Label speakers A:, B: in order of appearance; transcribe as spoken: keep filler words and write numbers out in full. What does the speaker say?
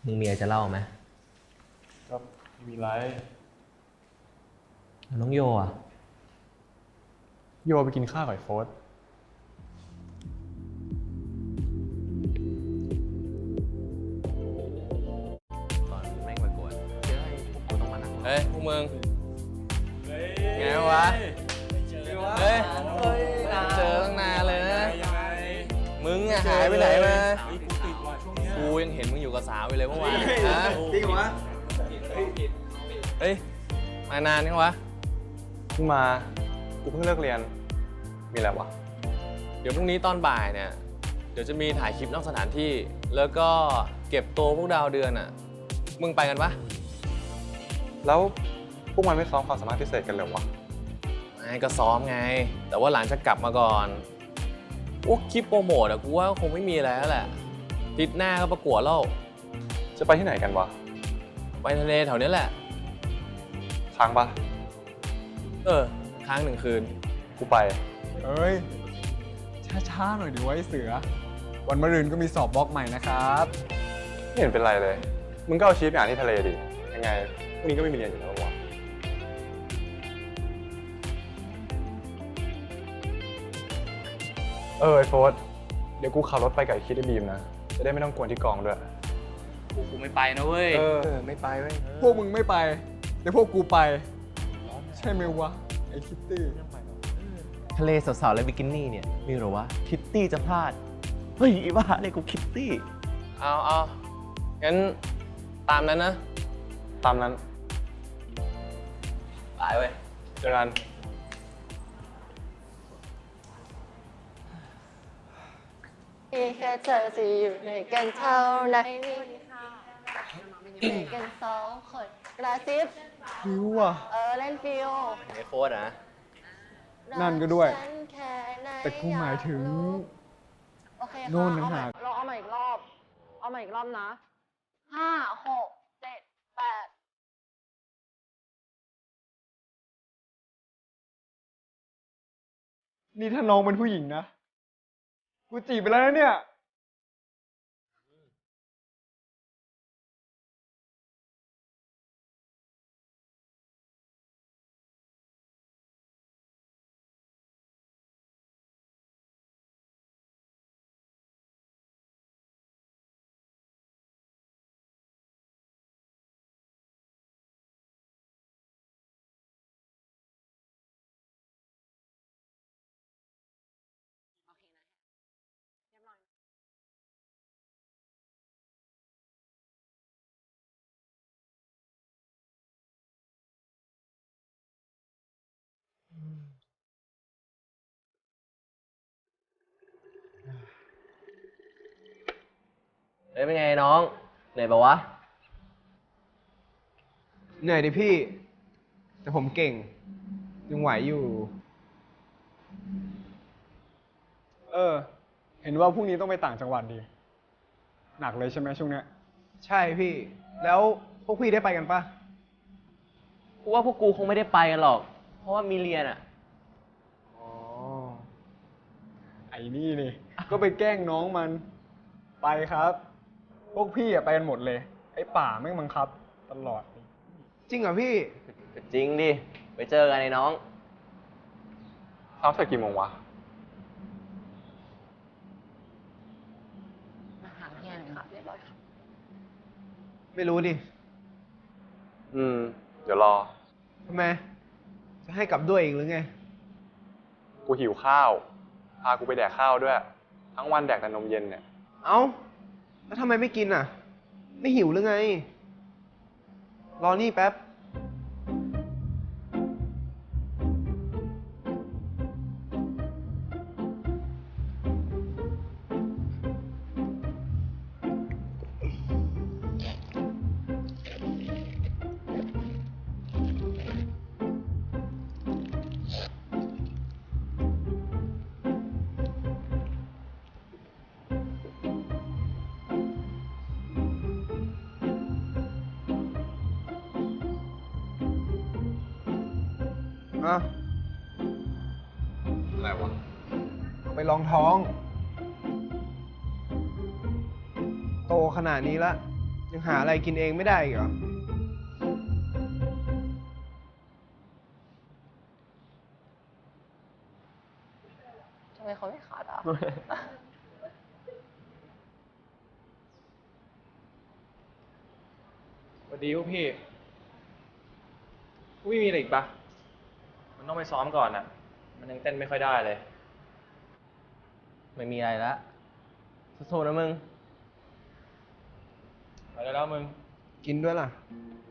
A: มึงมีอะไรจะเล่าไหม
B: ก็มีไร
A: น้องโยอ่ะ
B: โยไปกินข้าวกับไอ้โฟส
A: ตอนแม่งประกวดเจอไอ้พวกกูต้องมานั่งเฮ้ยพวกมึงไงวะเฮ้ยเจอตั้งนานเลยนะมึงอะหายไปไหนมากูยังเห็นมึงอยู่กับสาวไปเลยเมื่อวานนะจริงวะเฮ้ยมานานยังวะ
B: เพิ่งมากูเพิ่งเลิกเรียนมีอะไรวะ
A: เดี๋ยวพรุ่งนี้ตอนบ่ายเนี่ยเดี๋ยวจะมีถ่ายคลิปนอกสถานที่แล้วก็เก็บตัวพวกดาวเดือนอ่ะมึงไปกันปะ
B: แล้วพวกมันไม่ซ้อมความสามารถพิเศษกันเลยวะ
A: ไอ้ก็ซ้อมไงแต่ว่าหลังจะกลับมาก่อนพวกคลิปโปรโมทอะกูว่าคงไม่มีอะไรแล้วแหละทิศหน้าก็ประกวดแล้ว
B: จะไปที่ไหนกันวะ
A: ไปทะเลแถวนี้แหละ
B: ค้างปะ
A: เออค้างหนึ่งคืน
B: กูไป
C: เอ้ยช้าๆหน่อยดิไว้เสือวันมะรืนก็มีสอบบล็อกใหม่นะครับ
B: ไม่เห็นเป็นไรเลยมึงก็เอาชีวิตไปอ่านที่ทะเลดิยังไงพรุ่งนี้ก็ไม่มีเรียนอยู่แล้ววะเออไอโฟสเดี๋ยวกูขับรถไปกับไอคิดไอบีมนะจะได้ไม่ต้องกวนที่กองด้วย
A: กูกูไม่ไปนะเว้ย
B: เออไม่ไปเว้ย
C: พวกมึงไม่ไปแต่พวกกูไปใช่ไหมวะไอคิตตี้
A: ทะเลสาวๆและบิกินี่เนี่ยมีหรอวะคิตตี้จะพลาดเฮ้ยบ้าเลยกูคิตตี้เอาเอางั้นตามนั้นนะ
B: ตามนั้น
A: ไปเว้ย
B: เจอกัน
D: มีแค่เธอจะอยู่ในกันเท่านั้นมีกันสองคนกระซิบ
C: ฟิวอ่ะ
D: เออเล่นฟิว
A: ไอโฟสนะ
C: นั่นก็ด้วยแต่กูหมายถึง
D: โอเคค่ะ
C: โน่นนะฮะ
D: เราเอาใหม่อีกรอบเอาใหม่อีกรอบนะห้าหกเจ็ดแปด
C: นี่ถ้าน้องเป็นผู้หญิงนะกูจีบไปแล้วนะเนี่ย
A: เฮ้ยเป็นไงน้องเหนื่อยปะวะ
C: เหนื่อยดิพี่แต่ผมเก่งยังไหวอยู่เออเห็นว่าพรุ่งนี้ต้องไปต่างจังหวัดดีหนักเลยใช่ไหมช่วงเนี้ยใช่พี่แล้วพวกพี่ได้ไปกันปะ
A: กูว่าพวกกูคงไม่ได้ไปกันหรอกเพราะว่ามีเรียนอ่ะ
C: อ๋อไอ้นี่นี่ก็ไปแกล้งน้องมันไปครับพวกพี่อะไปกันหมดเลยไอ้ป่าแม่งบังคับตลอดจริงเหรอพี่
A: จริงดิไปเจอกันไอ้น้อง
B: ซ้อมเสร็จกี่โมงวะ
D: มาหาเฮียหน่อยค่ะเรียบร้อยค่ะ
C: ไม่รู้ดิ
B: อืมเดี๋ยวรอ
C: ทำไมจะให้กลับด้วยอีกหรือไง
B: กูหิวข้าวพากูไปแดกข้าวด้วยทั้งวันแดกแต่นมเย็นเนี่ย
C: เอ้าแล้วทำไมไม่กินอ่ะไม่หิวหรือไงรอนี่แป๊บ
B: อะไรวะ
C: ไปลองท้องโตขนาดนี้ละย
E: ยังหาอะไรกินเองไม่ได้อีกเหรอ
D: ทำไมเขาไม่ขาดอ่ะ
F: สวัสดีพวกพี่พวกพี่มีอะไรอีกปะมันต้องไปซ้อมก่อนอ่ะ มันยังเต้นไม่ค่อยได้เลย
A: ไม่มีอะไรละสู้ๆนะมึง
F: ไปได้แล้วมึง
E: กินด้วยล่ะ